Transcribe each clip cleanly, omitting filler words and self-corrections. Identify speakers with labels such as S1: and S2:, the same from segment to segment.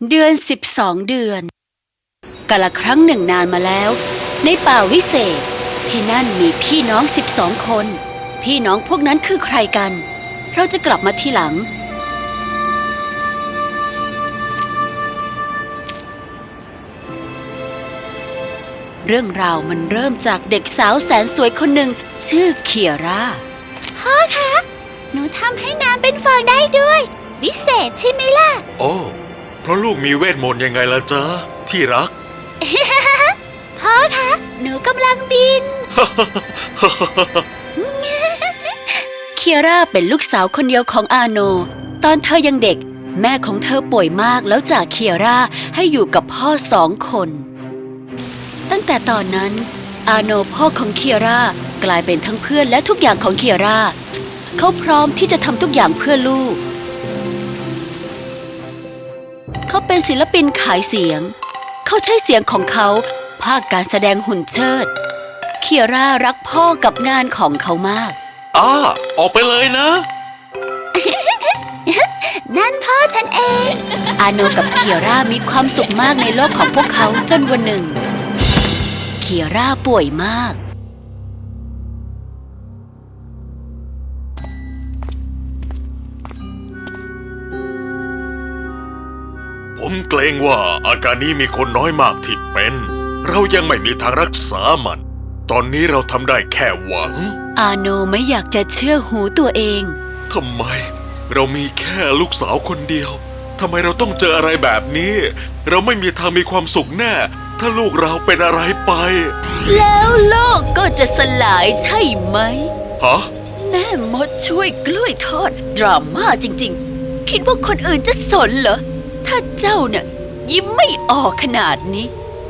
S1: เดือน12 เดือนกาลครั้งหนึ่งนานมาแล้วในป่าวิเศษที่นั่นมีพี่น้อง12 คนพี่น้องพวกนั้นคือใครกันเราจะกลับมาทีหลังเรื่องราวมันเริ่มจากเด็กสาวแสนสวยคนหนึ่งชื่อเคียร่า
S2: พ่อคะหนูทำให้น้ำเป็นฟองได้ด้วยวิเศษใช่ไหมล่ะ
S3: โอ้เพราะลูกมีเวทมนต์ยังไงล่ะจ๊ะที่รัก
S2: พ่อคะหนูกำลังบิน
S1: เคียร่าเป็นลูกสาวคนเดียวของอาโนตอนเธอยังเด็กแม่ของเธอป่วยมากแล้วจากเคียร่าให้อยู่กับพ่อ2 คนตั้งแต่ตอนนั้นอาโนพ่อของเคียร่ากลายเป็นทั้งเพื่อนและทุกอย่างของเคียร่าเขาพร้อมที่จะทำทุกอย่างเพื่อลูกเขาเป็นศิลปินขายเสียงเขาใช้เสียงของเขาภาคการแสดงหุ่นเชิดเคียร่ารักพ่อกับงานของเขามาก
S3: ออกไปเลยนะ
S2: นั่นพ่อฉันเอง
S1: อาโนกับเคียร่ามีความสุขมากในโลกของพวกเขาจนวันหนึ่งเคียร่าป่วยมาก
S3: ผมเกรงว่าอาการนี้มีคนน้อยมากที่เป็นเรายังไม่มีทางรักษามันตอนนี้เราทำได้แค่หวัง
S1: อาโนไม่อยากจะเชื่อหูตัวเอง
S3: ทำไมเรามีแค่ลูกสาวคนเดียวทำไมเราต้องเจออะไรแบบนี้เราไม่มีทางมีความสุขแน่ถ้าลูกเราเป็นอะไรไป
S1: แล้วโลกก็จะสลายใช่ไหม
S3: ฮะ
S1: แม่มดช่วยกล้วยทอดดราม่าจริงๆคิดว่าคนอื่นจะสนเหรอถ้าเจ้าเนี่ยยิ้มไม่ออกขนาดนี้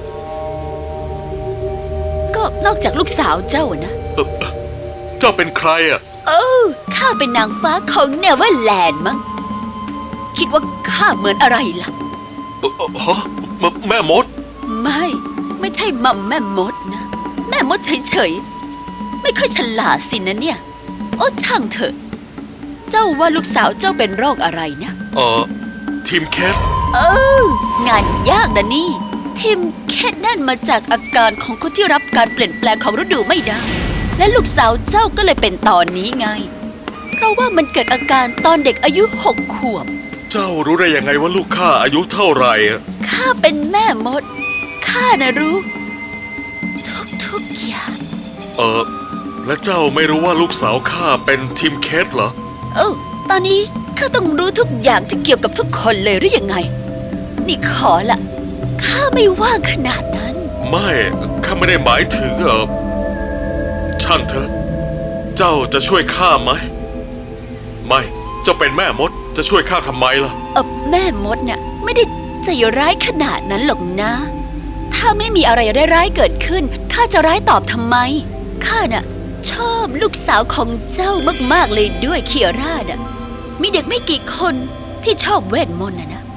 S1: ก็นอกจากลูกสาวเจ้านะ
S3: เจ้าเป็นใครอ่ะ
S1: ข้าเป็นนางฟ้าของเนเวอร์แลนด์มั้งคิดว่าข้าเหมือนอะไรล่ะ
S3: ฮะแม่มด
S1: ไม่ใช่มัมแม่มดนะแม่มดเฉยๆไม่ค่อยฉลาดสินะเนี่ยโอ้ช่างเถอะเจ้าว่าลูกสาวเจ้าเป็นโรคอะไรนะ
S3: ทีมแคท
S1: งานยากนะนี่ทีมแคทนั่นมาจากอาการของคนที่รับการเปลี่ยนแปลงของฤดูไม่ได้และลูกสาวเจ้าก็เลยเป็นตอนนี้ไงเพราะว่ามันเกิดอาการตอนเด็กอายุ6 ขวบ
S3: เจ้ารู้ได้ยังไงว่าลูกข้าอายุเท่าไหร่
S1: ข้าเป็นแม่มดข้านะรู้ทุกอย่าง
S3: และเจ้าไม่รู้ว่าลูกสาวข้าเป็นทีมแคทเหรอ
S1: ตอนนี้ข้าต้องรู้ทุกอย่างที่เกี่ยวกับทุกคนเลยหรือยังไงนี่ขอละข้าไม่ว่างขนาดนั้น
S3: ไม่ข้าไม่ได้หมายถึงช่างเถอะเจ้าจะช่วยข้าไหมไม่เจ้าเป็นแม่มดจะช่วยข้าทำไมล่ะ
S1: แม่มดเนี่ยไม่ได้ใจร้ายขนาดนั้นหรอกนะถ้าไม่มีอะไรร้ายๆเกิดขึ้นข้าจะร้ายตอบทำไมข้าน่ะชอบลูกสาวของเจ้ามากๆเลยด้วยเคียร่าน่ะมีเด็กไม่กี่คนที่ชอบเวทมนต์นะ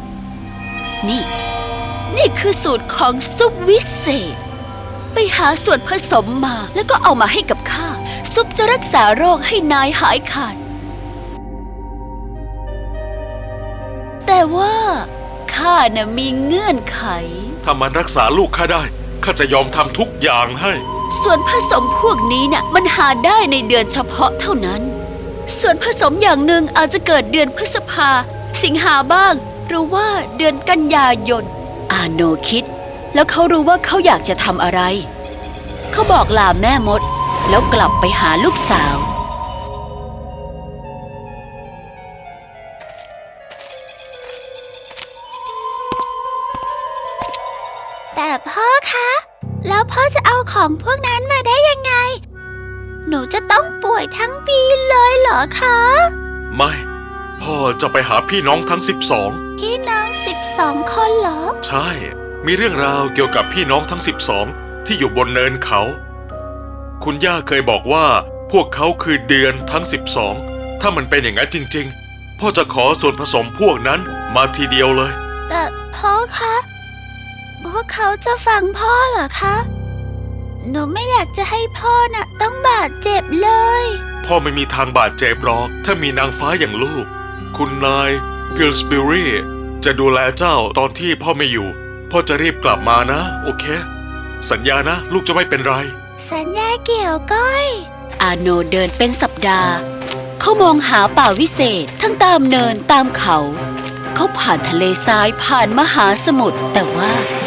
S1: นี่คือสูตรของซุปวิเศษไปหาส่วนผสมมาแล้วก็เอามาให้กับข้าซุปจะรักษาโรคให้นายหายขาดแต่ว่าข้าน่ะมีเงื่อนไข
S3: ถ้ามันรักษาลูกข้าได้ข้าจะยอมทำทุกอย่างให้
S1: ส่วนผสมพวกนี้น่ะมันหาได้ในเดือนเฉพาะเท่านั้นส่วนผสมอย่างหนึ่งอาจจะเกิดเดือนพฤษภาสิงหาบ้างหรือว่าเดือนกันยายนอาโนคิดแล้วเขารู้ว่าเขาอยากจะทำอะไรเขาบอกลาแม่มดแล้วกลับไปหาลูกสาว
S2: แต่พ่อคะแล้วพ่อจะเอาของพวกนั้นมาได้ยังไงหนูจะต้องป่วยทั้งปีเลยเหรอคะ
S3: ไม่พ่อจะไปหาพี่น้องทั้ง12
S2: พี่น้อง12 คนเหรอ
S3: ใช่มีเรื่องราวเกี่ยวกับพี่น้องทั้ง12ที่อยู่บนเนินเขาคุณย่าเคยบอกว่าพวกเขาคือเดือนทั้ง12ถ้ามันเป็นอย่างนั้นจริงๆพ่อจะขอส่วนผสมพวกนั้นมาทีเดียวเลย
S2: แต่พ่อคะพวกเขาจะฟังพ่อเหรอคะหนูไม่อยากจะให้พ่อน่ะต้องบาดเจ็บเลย
S3: พ่อไม่มีทางบาดเจ็บหรอกถ้ามีนางฟ้าอย่างลูกคุณนายพิลสบิรีจะดูแลเจ้าตอนที่พ่อไม่อยู่ พ่อจะรีบกลับมานะ โอเค สัญญานะ ลูกจะไม่เป็นไร
S2: สัญญาเกี่ยวก้อย
S1: อาโนเดินเป็นสัปดาห์ เขามองหาป่าวิเศษทั้งตามเนินตามเขา เขาผ่านทะเลทรายผ่านมหาสมุทรแต่ว่า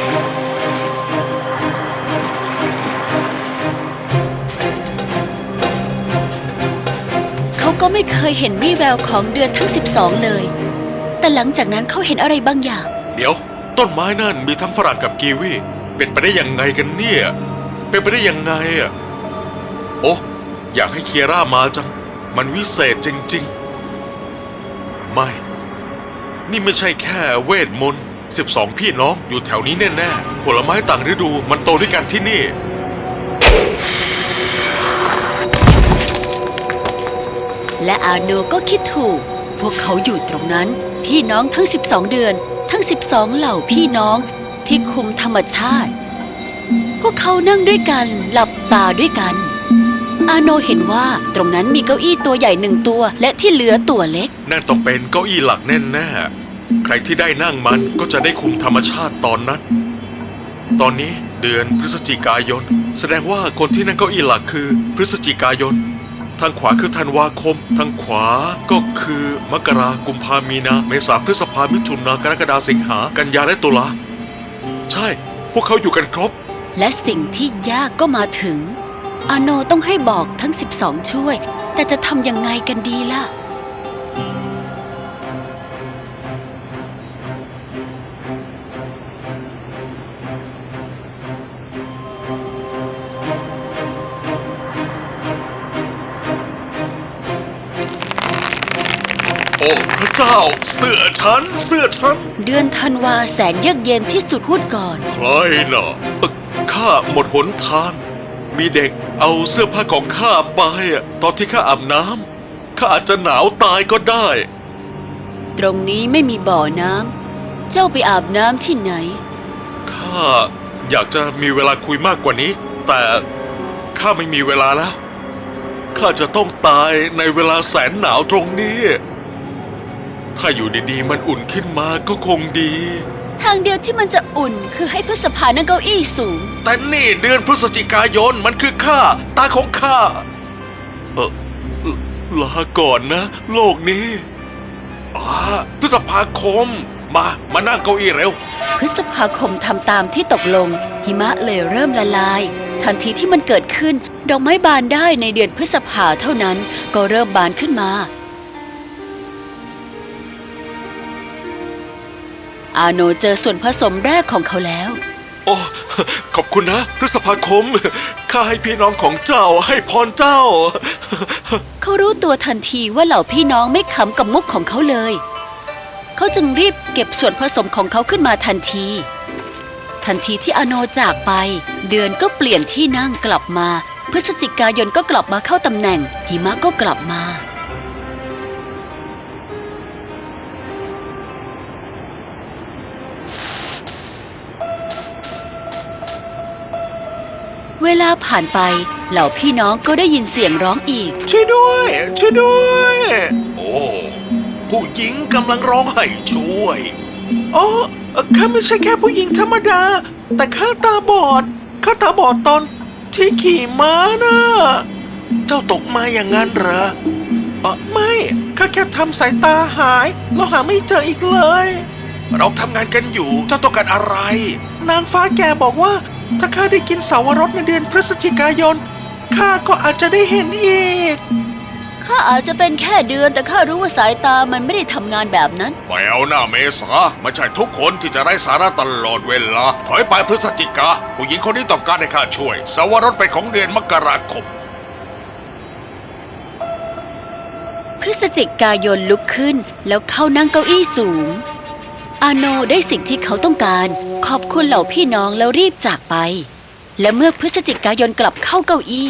S1: เขาก็ไม่เคยเห็นวี่แววของเดือนทั้ง12เลย แต่หลังจากนั้นเขาเห็นอะไรบางอย่าง
S3: เดี๋ยว ต้นไม้นั่นมีทั้งฝรั่งกับกีวีเป็นไปได้ยังไงกันเนี่ย เป็นไปได้ยังไงอ่ะโอ้อยากให้เคียร่ามาจัง มันวิเศษจริงๆ ไม่ นี่ไม่ใช่แค่เวทมนต์12 พี่น้องอยู่แถวนี้แน่ๆ ผลไม้ต่างฤดูมันโตด้วยกันที่นี่
S1: และอาโนก็คิดถูก พวกเขาอยู่ตรงนั้น พี่น้องทั้ง12เดือน ทั้ง12เหล่าพี่น้องที่คุมธรรมชาติ พวกเขานั่งด้วยกันหลับตาด้วยกัน อาโนเห็นว่าตรงนั้นมีเก้าอี้ตัวใหญ่1 ตัวและที่เหลือตัวเล็ก
S3: นั่นต้องเป็นเก้าอี้หลักแน่ๆ ใครที่ได้นั่งมันก็จะได้คุมธรรมชาติตอนนั้น ตอนนี้เดือนพฤศจิกายน แสดงว่าคนที่นั่งเก้าอี้หลักคือพฤศจิกายน ทางขวาคือธันวาคม ทางขวาก็คือมกรากุมภามีนา เมษาพฤษภามิถุนากรกฎาสิงหากันยาและตุลา ใช่ พวกเขาอยู่กันครบ
S1: และสิ่งที่ยากก็มาถึง อาโนต้องให้บอกทั้ง12ช่วย แต่จะทำยังไงกันดีล่ะ
S3: โอ้พระเจ้า เสื้อฉัน เสื้อฉัน
S1: เดือนธันวาแสนเยือกเย็นที่สุดพูดก่อน
S3: ใครน่ะข้าหมดหนทาง มีเด็กเอาเสื้อผ้าของข้าไปตอนที่ข้าอาบน้ำข้าอาจจะหนาวตายก็ได้
S1: ตรงนี้ไม่มีบ่อน้ำ เจ้าไปอาบน้ำที่ไหน
S3: ข้าอยากจะมีเวลาคุยมากกว่านี้ แต่ข้าไม่มีเวลาแล้ว ข้าจะต้องตายในเวลาแสนหนาวตรงนี้ ถ้าอยู่ดีๆมันอุ่นขึ้นมาก็คงดี
S1: ทางเดียวที่มันจะอุ่นคือให้พฤษภานั่งเก้าอี้สูง
S3: แต่นี่เดือนพฤศจิกายนมันคือข้าตาของข้าลาก่อนนะ โลกนี้พฤษภาคมมานั่งเก้าอี้เร็ว
S1: พฤษภาคมทำตามที่ตกลง หิมะเลยเริ่มละลาย ทันทีที่มันเกิดขึ้น ดอกไม้บานได้ในเดือนพฤษภาเท่านั้นก็เริ่มบานขึ้นมา อาโนเจอส่วนผสมแรกของเขาแล้ว
S3: โอ้ขอบคุณนะ พฤษภาคมข้าให้พี่น้องของเจ้าให้พรเจ้า
S1: เขารู้ตัวทันทีว่าเหล่าพี่น้องไม่ขำกับมุกของเขาเลย เขาจึงรีบเก็บส่วนผสมของเขาขึ้นมาทันที ทันทีที่อาโนจากไป เดือนก็เปลี่ยนที่นั่งกลับมา พฤศจิกายนก็กลับมาเข้าตำแหน่ง หิมะก็กลับมา เวลาผ่านไป เหล่าพี่น้องก็ได้ยินเสียงร้องอีก
S3: ช่วยด้วย ช่วยด้วย โอ้ผู้หญิงกำลังร้องให้ช่วยอ๋อข้าไม่ใช่แค่ผู้หญิงธรรมดา แต่ข้าตาบอดตอนที่ขี่ม้านะเจ้าตกมาอย่างนั้นเหรอไม่ข้าแค่ทำสายตาหายแล้วหาไม่เจออีกเลย เราทำงานกันอยู่เจ้าต้องการอะไร นางฟ้าแกบอกว่าถ้าข้าได้กินเสาวรสในเดือนพฤศจิกายนข้าก็อาจจะได้เห็นอีก
S1: ข้าอาจจะเป็นแค่เดือนแต่ข้ารู้ว่าสายตามันไม่ได้ทำงานแบบนั้น
S3: ไม่เอาหน้าเมษาไม่ใช่ทุกคนที่จะไร้สาระตลอดเวลาถอยไปพฤศจิกาผู้หญิงคนนี้ต้องการให้ข้าช่วยเสาวรสเป็นของเดือนมกราคม
S1: พฤศจิกายนลุกขึ้นแล้วเข้านั่งเก้าอี้สูง อาโนได้สิ่งที่เขาต้องการขอบคุณเหล่าพี่น้องแล้วรีบจากไป และเมื่อพฤศจิกายนกลับเข้าเก้าอี้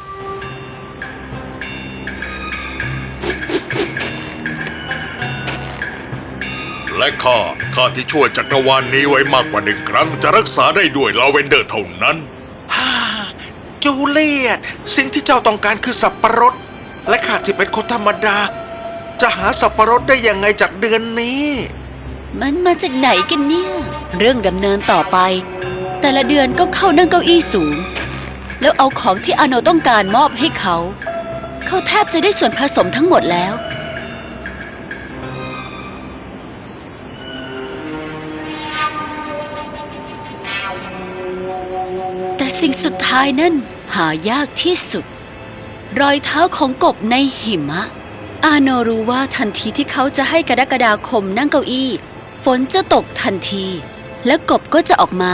S3: และข้าที่ช่วยจักรวาลนี้ไว้มากกว่า1 ครั้งจะรักษาได้ด้วยลาเวนเดอร์เท่านั้นจูเลียตสิ่งที่เจ้าต้องการคือสับปะรดและข้าที่เป็นคนธรรมดาจะหาสับปะรดได้ยังไงจากเดือนนี้
S1: มันมาจากไหนกันเนี่ย เรื่องดำเนินต่อไป แต่ละเดือนก็เข้านั่งเก้าอี้สูง แล้วเอาของที่อาโนต้องการมอบให้เขา เขาแทบจะได้ส่วนผสมทั้งหมดแล้ว แต่สิ่งสุดท้ายนั่นหายากที่สุด รอยเท้าของกบในหิมะ อาโนรู้ว่าทันทีที่เขาจะให้กรกฎาคมนั่งเก้าอี้ฝนจะตกทันที และกบก็จะออกมา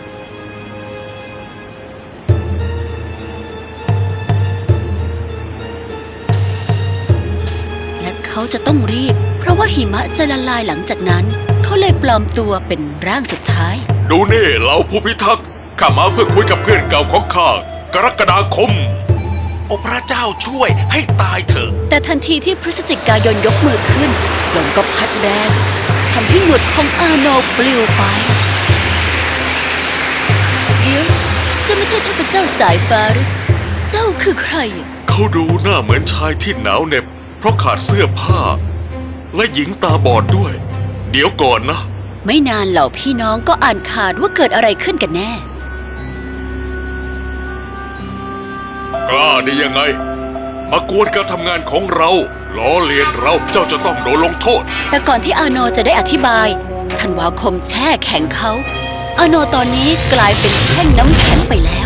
S1: และเขาจะต้องรีบ เพราะว่าหิมะจะละลายหลังจากนั้น เขาเลยปลอมตัวเป็นร่างสุดท้าย
S3: ดูนี่เราผู้พิทักษ์ข้ามาเพื่อคุยกับเพื่อนเก่าของข้ากรกฎาคม โอ้พระเจ้าช่วยให้ตายเถอะ
S1: แต่ทันทีที่พฤศจิกายนยกมือขึ้นลมก็พัดแรงทำให้หนวดของอาโนปลิวไป เดี๋ยวจะไม่ใช่เทพเจ้าสายฟ้าหรือเจ้าคือใคร
S3: เขาดูหน้าเหมือนชายที่หนาวเหน็บ เพราะขาดเสื้อผ้า และหญิงตาบอดด้วย เดี๋ยวก่อนนะ
S1: ไม่นานเหล่าพี่น้องก็อ่านขาดว่าเกิดอะไรขึ้นกันแน่
S3: กล้าได้ยังไง มากวนการทำงานของเราล้อเลียนเราเจ้าจะต้องโดนลงโทษ
S1: แต่ก่อนที่อาโนจะได้อธิบายธันวาคมแช่แข็งเขา อาโนตอนนี้กลายเป็นแท่งน้ำแข็งไปแล้ว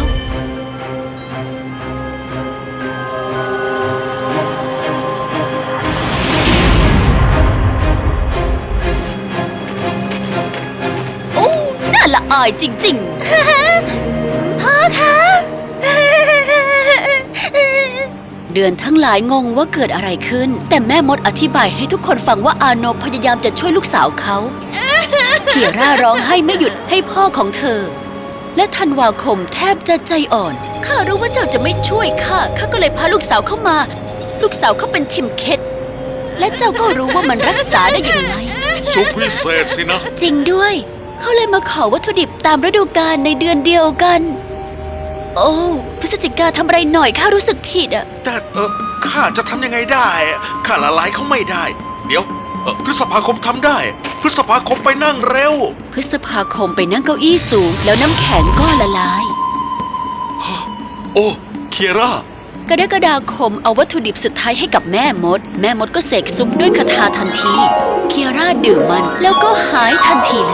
S1: โอ้ น่าละอายจริง
S2: พ่อคะ
S1: ๆ เดือนทั้งหลายงงว่าเกิดอะไรขึ้น แต่แม่มดอธิบายให้ทุกคนฟังว่าอาโนพยายามจะช่วยลูกสาวเขาเคียร่าร้องไห้ไม่หยุดให้พ่อของเธอ และธันวาคมแทบจะใจอ่อน ข้ารู้ว่าเจ้าจะไม่ช่วยข้าก็เลยพาลูกสาวเข้ามา ลูกสาวเขาเป็นทิมเคทและเจ้าก็รู้ว่ามันรักษาได้ยังไง
S3: สุขวิเศษสินะ
S1: จริงด้วย เขาเลยมาขอวัตถุดิบตามฤดูกาลในเดือนเดียวกัน โอ้พฤศจิกาทำอะไรหน่อยข้ารู้สึกผิดอะ
S3: แต่ข้าจะทำยังไงได้ข้าละลายเขาไม่ได้ เดี๋ยวพฤษภาคมทำได้ พฤษภาคมไปนั่งเร็ว
S1: พฤษภาคมไปนั่งเก้าอี้สูง แล้วน้ำแข็งก็ละลาย
S3: โอ้เคียร่า
S1: กรกฎาคมเอาวัตถุดิบสุดท้ายให้กับแม่มด แม่มดก็เสกซุปด้วยคาถาทันที เคียร่าดื่มมันแล้วก็หายทันทีเลย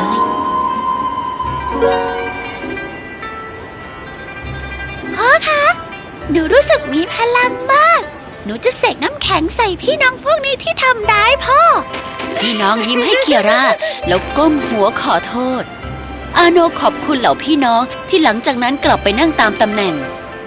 S2: พ่อคะ หนูรู้สึกมีพลังมาก หนูจะเสกน้ำแข็งใส่พี่น้องพวกนี้ที่ทำร้ายพ่อ
S1: พี่น้องยิ้มให้เคียร่าแล้วก้มหัวขอโทษ อาโนขอบคุณเหล่าพี่น้องที่หลังจากนั้นกลับไปนั่งตามตำแหน่ง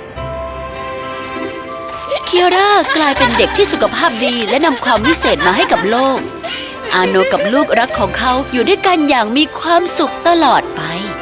S1: เคียร่ากลายเป็นเด็กที่สุขภาพดีและนำความวิเศษมาให้กับโลก อาโนกับลูกรักของเขาอยู่ด้วยกันอย่างมีความสุขตลอดไป